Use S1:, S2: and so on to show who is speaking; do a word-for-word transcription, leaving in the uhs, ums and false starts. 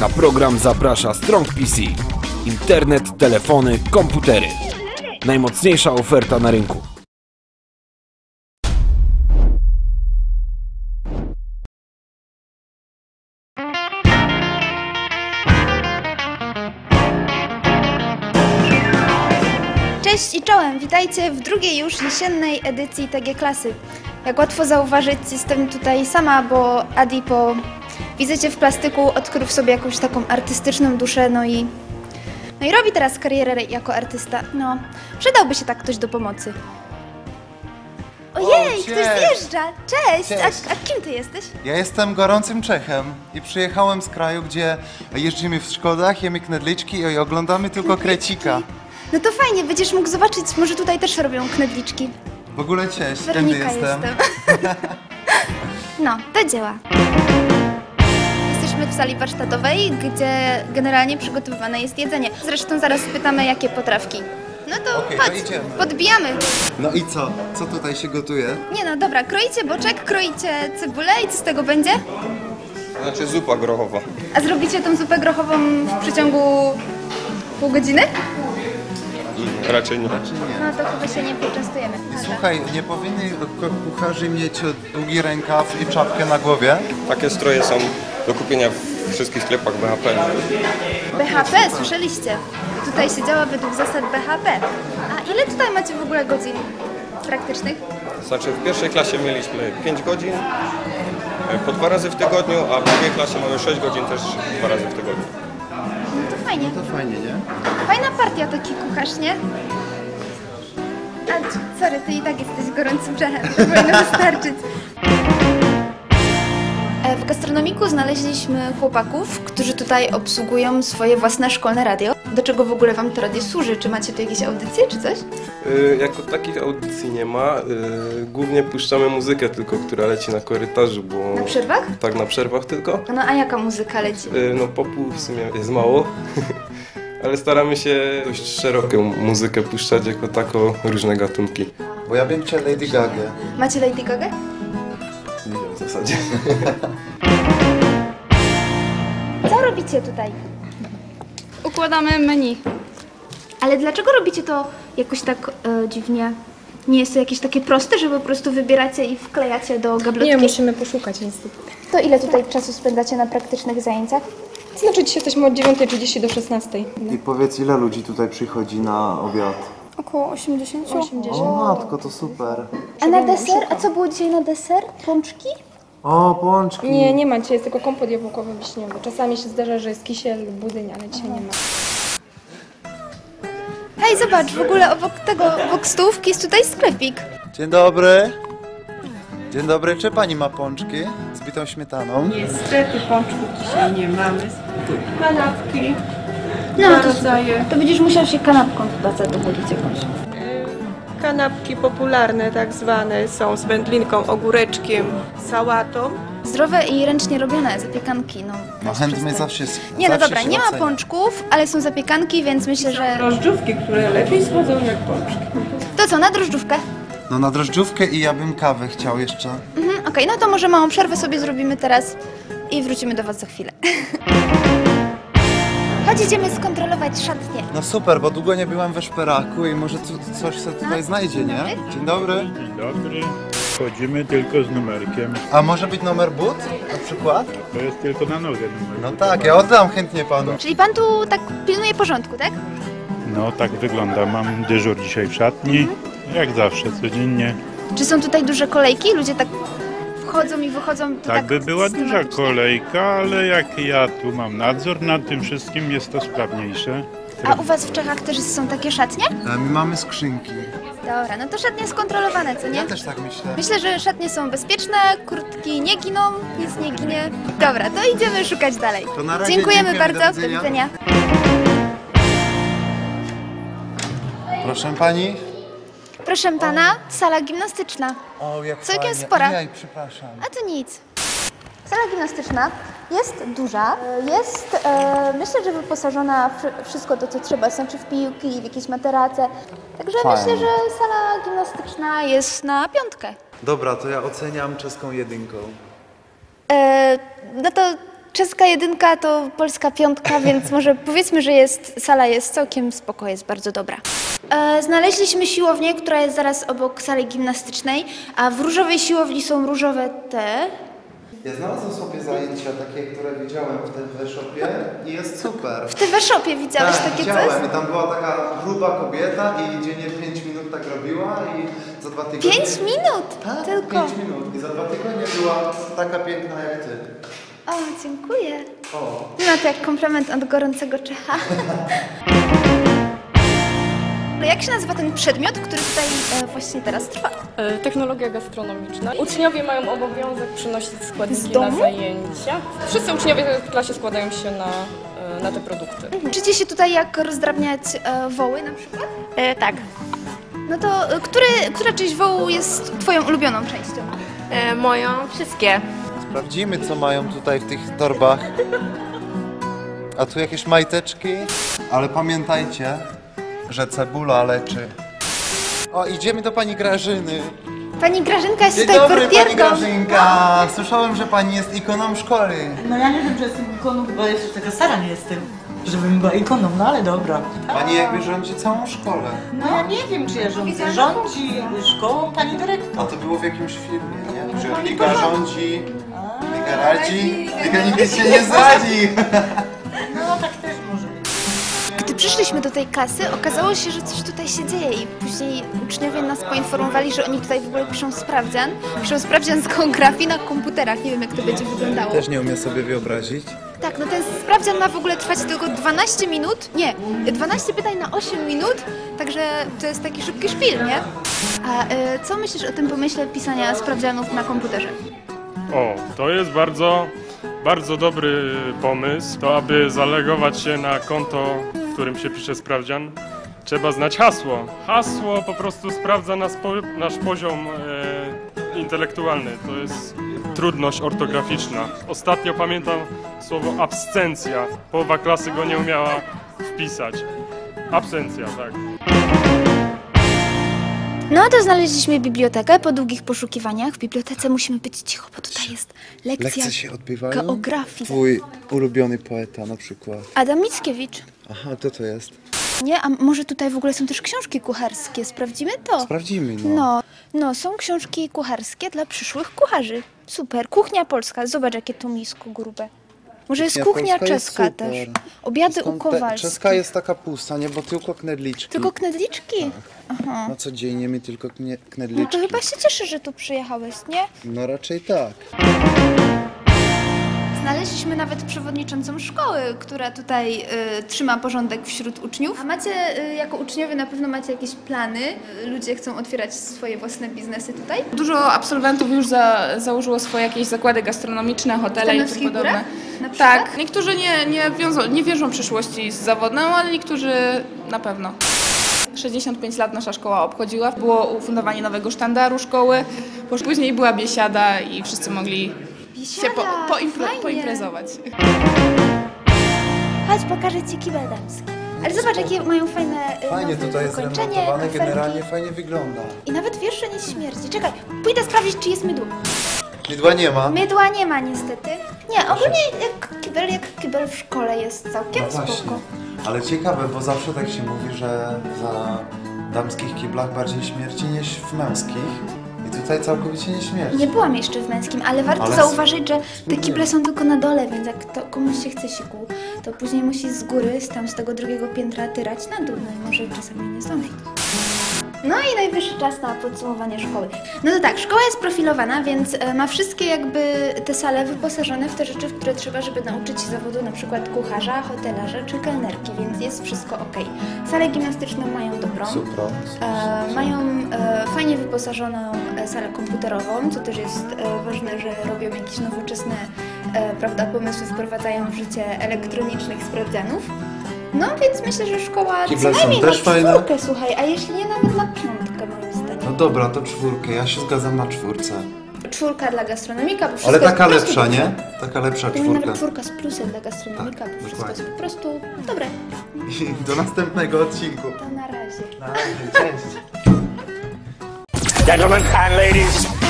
S1: Na program zaprasza Strong P C. Internet, telefony, komputery. Najmocniejsza oferta na rynku.
S2: Cześć i czołem, witajcie w drugiej już jesiennej edycji T G Klasy. Jak łatwo zauważyć, jestem tutaj sama, bo Adi po wizycie w plastyku odkrył w sobie jakąś taką artystyczną duszę, no i, no i robi teraz karierę jako artysta. No, przydałby się tak ktoś do pomocy. Ojej,
S3: O,
S2: ktoś
S3: cześć.
S2: zjeżdża! Cześć!
S3: Cześć.
S2: A, a kim ty jesteś?
S3: Ja jestem gorącym Czechem i przyjechałem z kraju, gdzie jeździmy w Szkodach, jemy knedliczki i oglądamy tylko krecika.
S2: No to fajnie, będziesz mógł zobaczyć, może tutaj też robią knedliczki.
S3: W ogóle cześć, tędy
S2: Weronika
S3: jestem.
S2: jestem. No, do dzieła. Jesteśmy w sali warsztatowej, gdzie generalnie przygotowywane jest jedzenie. Zresztą zaraz pytamy, jakie potrawki. No to
S3: Okej,
S2: chodź,
S3: to idziemy.
S2: podbijamy.
S3: No i co? Co tutaj się gotuje?
S2: Nie no, dobra, kroicie boczek, kroicie cebulę i co z tego będzie?
S4: Znaczy zupa grochowa.
S2: A zrobicie tą zupę grochową w przeciągu pół godziny?
S4: Raczej nie.
S2: No to chyba się nie poczęstujemy.
S3: Słuchaj, nie powinni kucharze mieć długi rękaw i czapkę na głowie?
S4: Takie stroje są do kupienia w wszystkich sklepach B H P.
S2: B H P, słyszeliście? Tutaj się działa według zasad B H P. A ile tutaj macie w ogóle godzin praktycznych?
S4: Znaczy w pierwszej klasie mieliśmy pięć godzin, po dwa razy w tygodniu, a w drugiej klasie mamy sześć godzin też dwa razy w tygodniu.
S2: No to fajnie.
S3: To fajnie, nie?
S2: Fajna partia taki kucharz, nie? A, sorry, ty i tak jesteś gorącym Czechem, to powinno wystarczyć. W gastronomiku znaleźliśmy chłopaków, którzy tutaj obsługują swoje własne szkolne radio. Do czego w ogóle wam to radio służy? Czy macie tu jakieś audycje, czy coś?
S5: Yy, jako takich audycji nie ma. Yy, głównie puszczamy muzykę tylko, która leci na korytarzu, bo...
S2: Na przerwach?
S5: Tak, na przerwach tylko.
S2: No a jaka muzyka leci?
S5: Yy, no popu w sumie jest mało, ale staramy się dość szeroką muzykę puszczać, jako tako różne gatunki.
S3: Bo ja bym chciał Lady Gaga.
S2: Macie Lady Gaga?
S5: Nie wiem w zasadzie.
S2: Co robicie tutaj?
S6: Układamy menu.
S2: Ale dlaczego robicie to jakoś tak e, dziwnie? Nie jest to jakieś takie proste, że po prostu wybieracie i wklejacie do gablotki?
S6: Nie, musimy poszukać niestety.
S2: To ile tutaj czasu spędzacie na praktycznych zajęciach?
S6: Znaczy dzisiaj jesteśmy od dziewiątej trzydzieści do szesnastej.
S3: I powiedz, ile ludzi tutaj przychodzi na obiad?
S6: Około osiemdziesiąt.
S3: O matko, to super.
S2: A na deser? A co było dzisiaj na deser? Pączki?
S3: O, pączki.
S6: Nie, nie ma dzisiaj, jest tylko kompot jabłkowy wiśniowy. Czasami się zdarza, że jest kisiel lub budyń, ale dzisiaj nie ma.
S2: Hej, zobacz, w ogóle obok tego, obok stołówki jest tutaj sklepik.
S3: Dzień dobry. Dzień dobry, czy pani ma pączki z bitą śmietaną?
S7: Niestety pączków dzisiaj nie mamy. Kanapki,
S2: No,
S7: dwa
S2: to,
S7: rodzaje.
S2: to będziesz musiał się kanapką chyba zadowolić jakąś.
S7: Kanapki popularne tak zwane są z wędlinką, ogóreczkiem, sałatą.
S2: Zdrowe i ręcznie robione zapiekanki, no.
S3: No chętnie zawsze jest.
S2: Nie, no
S3: zawsze
S2: dobra,
S3: się
S2: nie ma
S3: ocenia.
S2: pączków, ale są zapiekanki, więc myślę, że...
S7: Drożdżówki, które lepiej schodzą jak pączki.
S2: To co, na drożdżówkę?
S3: No na drożdżówkę i ja bym kawę chciał jeszcze.
S2: Mhm, okej, no to może małą przerwę sobie zrobimy teraz i wrócimy do was za chwilę. Chodź, idziemy skontrolować szatnię.
S3: No super, bo długo nie byłam we szperaku i może tu, coś się tutaj znajdzie, nie? Dzień dobry.
S8: Dzień dobry. Wchodzimy tylko z numerkiem.
S3: A może być numer but na przykład?
S8: To jest tylko na nogę numer.
S3: No tak, ja oddam chętnie panu.
S2: Czyli pan tu tak pilnuje porządku, tak?
S8: No tak wygląda. Mam dyżur dzisiaj w szatni. Jak zawsze, codziennie.
S2: Czy są tutaj duże kolejki? Ludzie tak wchodzą i wychodzą? to
S8: Tak by była duża
S2: systematycznie?
S8: kolejka, ale jak ja tu mam nadzór nad tym wszystkim, jest to sprawniejsze.
S2: A u was w Czechach też są takie szatnie?
S3: A my mamy skrzynki.
S2: Dobra, no to szatnie skontrolowane, co nie?
S3: Ja też tak myślę.
S2: Myślę, że szatnie są bezpieczne, kurtki nie giną, nic nie ginie. Dobra, to idziemy szukać dalej.
S3: To na razie
S2: Dziękujemy
S3: dziękujemy,
S2: bardzo,
S3: do
S2: do
S3: widzenia.
S2: widzenia.
S3: Proszę pani.
S2: Proszę pana, sala gimnastyczna.
S3: O, jak
S2: Całkiem
S3: fajnie.
S2: spora.
S3: Ojej, przepraszam.
S2: A to nic. Sala gimnastyczna jest duża, jest e, myślę, że wyposażona w wszystko to, co trzeba, znaczy w piłki, w jakieś materace. Także
S3: Fajnie.
S2: myślę, że sala gimnastyczna jest na piątkę.
S3: Dobra, to ja oceniam czeską jedynką.
S2: E, no to czeska jedynka to polska piątka, więc może powiedzmy, że jest, sala jest całkiem spoko, jest bardzo dobra. E, znaleźliśmy siłownię, która jest zaraz obok sali gimnastycznej, a w różowej siłowni są różowe te.
S3: Ja znalazłem sobie zajęcia takie, które widziałem w tym workshopie i jest super.
S2: W tym workshopie widziałeś
S3: tak,
S2: takie
S3: widziałem.
S2: coś?
S3: I tam była taka gruba kobieta i dziennie pięć minut tak robiła i za dwa tygodnie...
S2: pięć minut
S3: tak,
S2: tylko?
S3: pięć minut i za dwa tygodnie była taka piękna jak ty.
S2: O, dziękuję.
S3: O.
S2: No to jak komplement od gorącego Czecha. Jak się nazywa ten przedmiot, który tutaj e, właśnie teraz trwa?
S6: E, Technologia gastronomiczna. Uczniowie mają obowiązek przynosić
S2: Z
S6: składniki
S2: domu?
S6: na zajęcia. Wszyscy uczniowie w klasie składają się na, e, na te produkty.
S2: Uczycie się tutaj jak rozdrabniać e, woły na przykład?
S9: E, tak.
S2: No to e, który, która część wołu jest twoją ulubioną częścią?
S9: E, moją wszystkie.
S3: Sprawdzimy, co mają tutaj w tych torbach. A tu jakieś majteczki. Ale pamiętajcie, że cebula leczy. O, idziemy do pani Grażyny.
S2: Pani Grażynka jest
S3: Dzień
S2: tutaj
S3: dobry, pani
S2: portierką.
S3: Grażynka. Słyszałem, że pani jest ikoną szkoły.
S10: No ja nie wiem, czy jestem ikoną, chyba jeszcze taka stara nie jestem, żebym była ikoną, no ale dobra.
S3: Pani jakby rządzi całą szkołę.
S10: No ja nie wiem, czy ja rządzę. Rządzi szkołą pani dyrektor.
S3: A to było w jakimś filmie, nie? Że Liga rządzi, Liga radzi, Liga nigdy się nie zradzi.
S10: No tak też może być.
S2: Gdy przyszliśmy do tej klasy, okazało się, że coś tutaj się dzieje i później uczniowie nas poinformowali, że oni tutaj w ogóle piszą sprawdzian. Piszą sprawdzian z geografii na komputerach. Nie wiem, jak to będzie wyglądało.
S3: Też nie umiem sobie wyobrazić.
S2: Tak, no ten sprawdzian ma w ogóle trwać tylko dwanaście minut. Nie, dwanaście pytań na osiem minut, także to jest taki szybki szpil, nie? A y, co myślisz o tym pomyśle pisania sprawdzianów na komputerze?
S11: O, to jest bardzo, bardzo dobry pomysł. To aby zalogować się na konto, w którym się pisze sprawdzian, trzeba znać hasło. Hasło po prostu sprawdza nas po, nasz poziom e, intelektualny. To jest trudność ortograficzna. Ostatnio pamiętam słowo absencja. Połowa klasy go nie umiała wpisać. Absencja, tak.
S2: No to znaleźliśmy bibliotekę po długich poszukiwaniach. W bibliotece musimy być cicho, bo tutaj jest lekcja
S3: Lekcje się odbywają?
S2: geografii.
S3: Twój ulubiony poeta na przykład.
S2: Adam Mickiewicz.
S3: Aha, to to jest.
S2: Nie, a może tutaj w ogóle są też książki kucharskie? Sprawdzimy to?
S3: Sprawdzimy, no.
S2: No, no są książki kucharskie dla przyszłych kucharzy. Super. Kuchnia polska. Zobacz, jakie to misko grube. Może jest
S3: Kuchnia
S2: kuchnia
S3: polska jest
S2: czeska
S3: super.
S2: też. Obiady
S3: Skąd
S2: u
S3: te-
S2: Kowalskich.
S3: Czeska jest taka pusta, nie? Bo tylko knedliczki.
S2: Tylko knedliczki? Aha.
S3: No codziennie my tylko knie-
S2: No
S3: knedliczki.
S2: to chyba się cieszę, że tu przyjechałeś, nie?
S3: No raczej tak.
S2: Znaleźliśmy nawet przewodniczącą szkoły, która tutaj y, trzyma porządek wśród uczniów. A macie, y, jako uczniowie na pewno macie jakieś plany? Y, Ludzie chcą otwierać swoje własne biznesy tutaj?
S12: Dużo absolwentów już za, założyło swoje jakieś zakłady gastronomiczne, hotele i tym
S2: Tarnowskich
S12: podobne.
S2: Górach na przykład?
S12: Tak, niektórzy nie, nie, wiążą, nie wierzą przyszłości z zawodną, ale niektórzy na pewno. sześćdziesiąt pięć lat nasza szkoła obchodziła. Było ufundowanie nowego sztandaru szkoły, później była biesiada i wszyscy mogli się po, poimpre,
S2: fajnie.
S12: poimprezować.
S2: Chodź, pokażę ci kibel damski. Ale zobacz, jakie mają fajne y,
S3: Fajnie
S2: nowe
S3: tutaj jest
S2: wykończenie,
S3: remontowane,
S2: kafelki.
S3: generalnie fajnie wygląda.
S2: I nawet wiersze nie śmierdzi. Czekaj, pójdę sprawdzić, czy jest mydło.
S3: Mydła nie ma.
S2: Mydła nie ma niestety. Nie, ogólnie jak kibel, jak kibel w szkole jest całkiem
S3: No właśnie.
S2: spoko.
S3: Ale ciekawe, bo zawsze tak się mówi, że za damskich kiblach bardziej śmierci niż w męskich. I tutaj całkowicie nie śmierci.
S2: Nie byłam jeszcze w męskim, ale warto
S3: Ale
S2: zauważyć, że te
S3: spróbuję.
S2: kible są tylko na dole, więc jak to komuś się chce siku, to później musi z góry, z tam z tego drugiego piętra tyrać na dół, no i może czasami nie zdąży. No i najwyższy czas na podsumowanie szkoły. No to tak, szkoła jest profilowana, więc e, ma wszystkie jakby te sale wyposażone w te rzeczy, w które trzeba, żeby nauczyć się zawodu na przykład kucharza, hotelarza czy kelnerki, więc jest wszystko ok. Salę gimnastyczną mają dobrą.
S3: Super.
S2: E, mają e, fajnie wyposażoną e, salę komputerową, co też jest e, ważne, że robią jakieś nowoczesne e, prawda, pomysły, wprowadzają w życie elektronicznych sprawdzianów. No więc myślę, że szkoła
S3: Kible
S2: co
S3: są
S2: najmniej
S3: też
S2: na
S3: fajne.
S2: czwórkę, słuchaj, a jeśli nie nawet na piątkę moim zdaniem.
S3: No dobra, to czwórkę, ja się zgadzam na czwórce.
S2: Czwórka dla gastronomika, bo wszystko
S3: Ale taka
S2: jest po prostu
S3: lepsza,
S2: dobre.
S3: nie? Taka lepsza
S2: Powinna
S3: czwórka.
S2: nawet czwórka z plusem dla gastronomika,
S3: Tak,
S2: bo wszystko
S3: dokładnie.
S2: jest po prostu dobre.
S3: I do następnego odcinku.
S2: To na razie.
S3: Na razie, cześć.
S13: Gentlemen and ladies,